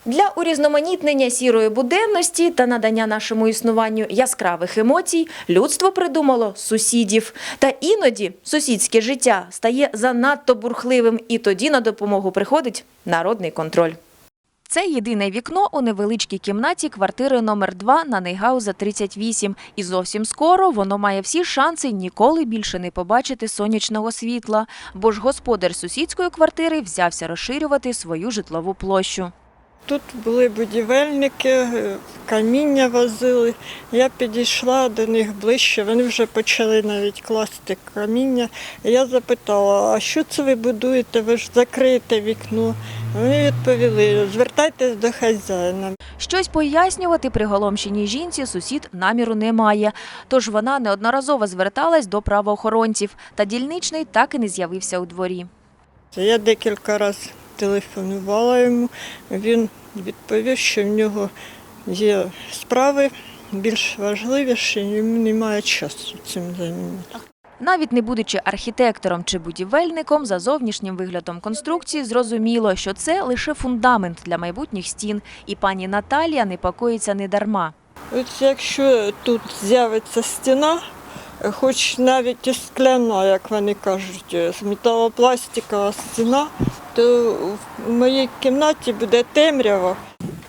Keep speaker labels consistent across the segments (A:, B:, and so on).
A: Для урізноманітнення сірої буденності та надання нашому існуванню яскравих емоцій людство придумало сусідів. Та іноді сусідське життя стає занадто бурхливим, і тоді на допомогу приходить народний контроль. Це єдине вікно у невеличкій кімнаті квартири номер 2 на Нейгауза 38. І зовсім скоро воно має всі шанси ніколи більше не побачити сонячного світла, бо ж господар сусідської квартири взявся розширювати свою житлову площу.
B: Тут були будівельники, каміння возили. Я підійшла до них ближче, вони вже почали навіть класти каміння. Я запитала, а що це ви будуєте, ви ж закриєте вікно. Вони відповіли, звертайтесь до хазяїна.
A: Щось пояснювати приголомшеній жінці сусід наміру не має. Тож вона неодноразово зверталась до правоохоронців, та дільничний так і не з'явився у дворі.
B: Я декілька разів телефонувала йому, він відповів, що в нього є справи більш важливіші, йому немає часу цим займатися.
A: Навіть не будучи архітектором чи будівельником, за зовнішнім виглядом конструкції зрозуміло, що це лише фундамент для майбутніх стін. І пані Наталія непокоїться недарма.
B: От якщо тут з'явиться стіна, хоч навіть і скляна, як вони кажуть, металопластикова стіна, то в моїй кімнаті буде темрява.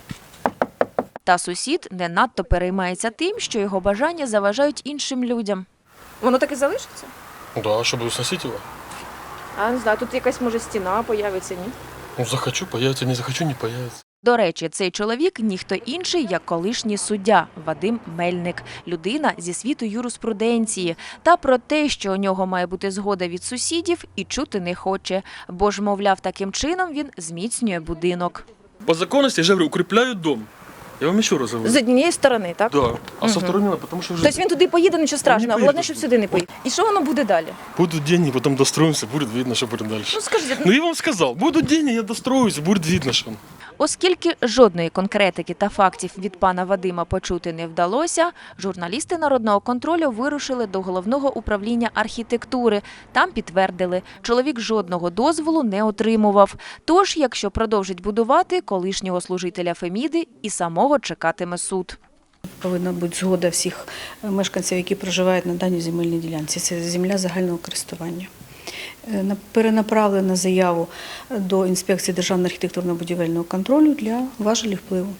A: Та сусід не надто переймається тим, що його бажання заважають іншим людям.
C: Воно так і залишиться?
D: Да, а що буду сносити його?
C: А не знаю, тут якась може стіна появиться, ні?
D: Ну, захочу, появиться, не захочу, не появиться.
A: До речі, цей чоловік – ніхто інший, як колишній суддя Вадим Мельник. Людина зі світу юриспруденції. Та про те, що у нього має бути згода від сусідів, і чути не хоче. Бо ж, мовляв, таким чином він зміцнює будинок.
D: По законности, я же говорю, укрепляют дом. Я вам еще раз говорю.
C: З однієї сторони, так?
D: Да, а со стороны, потому что уже
C: Тобто він туди поїде, нічого страшного,
D: поїде.
C: головне, щоб сюди не поїде. І що воно буде далі?
D: будут деньги, потом достроимся, будет видно, что будет дальше.
C: Ну скажіть,
D: Ну, я вам сказал, будут деньги, я достроюсь, будет видно, что.
A: Оскільки жодної конкретики та фактів від пана Вадима почути не вдалося, журналісти Народного контролю вирушили до Головного управління архітектури. Там підтвердили, чоловік жодного дозволу не отримував. Тож, якщо продовжить будувати, колишнього служителя Феміди і самого чекатиме суд.
E: Повинна бути згода всіх мешканців, які проживають на даній земельній ділянці. Це земля загального користування. Перенаправлена заяву до інспекції Державного архітектурно-будівельного контролю для важелів впливу.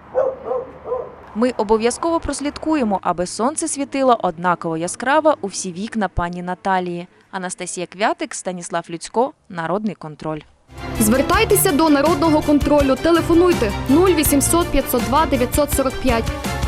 A: Ми обов'язково прослідкуємо, аби сонце світило однаково яскраво у всі вікна пані Наталії. Анастасія Квятик, Станіслав Люцько, Народний контроль.
F: Звертайтеся до Народного контролю. Телефонуйте 0800 502 945.